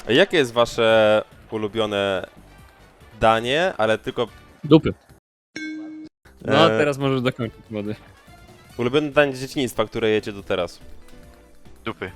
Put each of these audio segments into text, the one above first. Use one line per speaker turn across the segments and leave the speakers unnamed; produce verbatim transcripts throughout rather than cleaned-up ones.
Jakie jest wasze ulubione danie, ale tylko...
Dupy. No,
E,
teraz możesz dokończyć młody.
Ulubione danie z dzieciństwa, które jecie do teraz?
Dupy.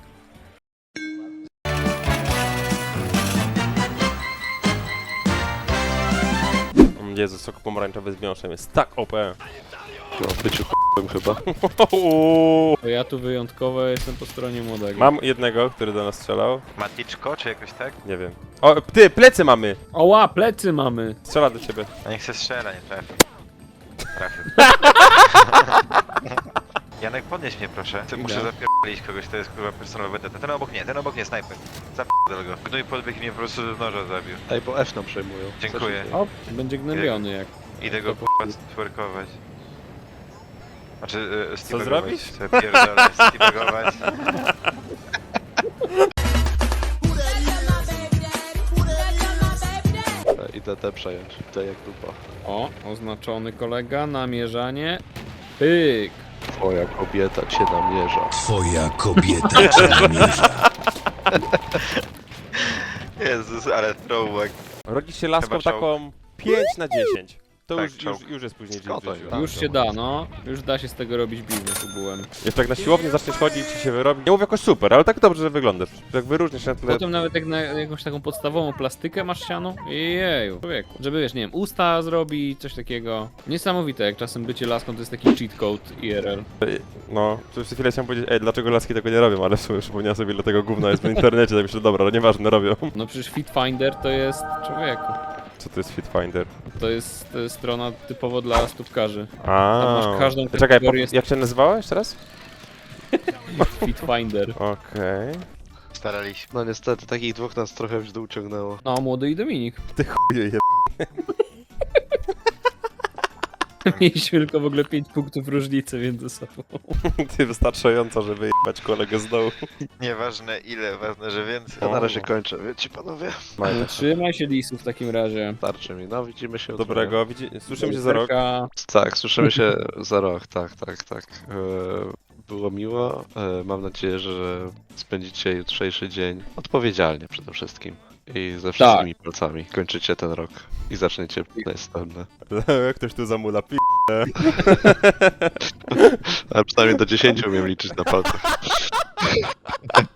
Jezu, sok pomarańczowy z miąższem jest tak O P.
No, byciu k***em chyba.
To ja tu wyjątkowo jestem po stronie młodego.
Mam jednego, który do nas strzelał.
Maticzko, czy jakoś tak?
Nie wiem. O, ty, plecy mamy!
Oła, plecy mamy!
Strzela do ciebie.
A niech se strzela, nie trafił. Trafił. Janek, podnieś mnie proszę. Ty muszę
Idę.
zapierdolić kogoś, to jest kurwa personalowy vendetta. Ten obok nie, ten obok nie, snajper. Zapierdol go. Gnój podbiegł i mnie po prostu z noża zabił.
Ej, bo F nam przejmują.
Dziękuję.
O, będzie gnębiony jak.
Idę go
To
kurwa stwerkować. Znaczy, e, steabagować.
zrobisz?
Chcę pierdolę, steabagować.
Ej, idę te przejąć. Te jak dupa.
O, oznaczony kolega, namierzanie. Pyk!
Twoja kobieta cię namierza.
Twoja kobieta cię namierza.
Jezus, ale throwback.
Rodzisz się laską
Chyba czołg.
taką pięć na dziesięć. To
Tak,
już, już,
czołg.
już jest później dzień w
Skąd to
życiu.
jest?
Już się da, no. Już da się z tego robić biznes ogółem.
Jeszcze jak na siłowni zaczniesz chodzić i się wyrobi. Nie mówię jakoś super, ale tak dobrze, że wyglądasz. Jak wyróżnisz się na tle...
Potem nawet jak na jakąś taką podstawową plastykę masz siano. Jeju, człowieku. Żeby wiesz, nie wiem, usta zrobić, coś takiego. Niesamowite, jak czasem bycie laską to jest taki cheat code I R L.
No, przez chwilę chciałem powiedzieć, ej, dlaczego laski tego nie robią, ale w sumie przypomniałem sobie, ile tego gówna jest w internecie, tak myślę, dobra, no nieważne, robią.
No przecież Fitfinder to jest, człowieku.
Co to jest Fitfinder?
To jest, to jest strona typowo dla stópkarzy.
A,
Tam masz każdą
Czekaj, po,
kategorię.
jak się nazywała jeszcze raz?
Fitfinder.
Okej.
Staraliśmy.
No niestety, takich dwóch nas trochę w dół ciągnęło.
No, młody i Dominik.
Ty chuje je...
Mieliśmy tylko w ogóle pięć punktów różnicy między sobą.
Ty wystarczająco, żeby jebać kolegę z dołu.
Nieważne ile, ważne, że więcej.
Ja na razie kończę, wiecie panowie?
No, trzymaj się lisu w takim razie.
Starczy mi, no widzimy się jutro.
Dobrego, widzi... słyszymy się za rok.
Lusterka.
Tak, słyszymy się za rok, tak, tak, tak. E, Było miło. E, Mam nadzieję, że spędzicie jutrzejszy dzień odpowiedzialnie przede wszystkim. I ze wszystkimi palcami kończycie ten rok i zaczniecie następne.
Ktoś tu zamula pi...
Ale przynajmniej do dziesięciu umiem liczyć na palcach.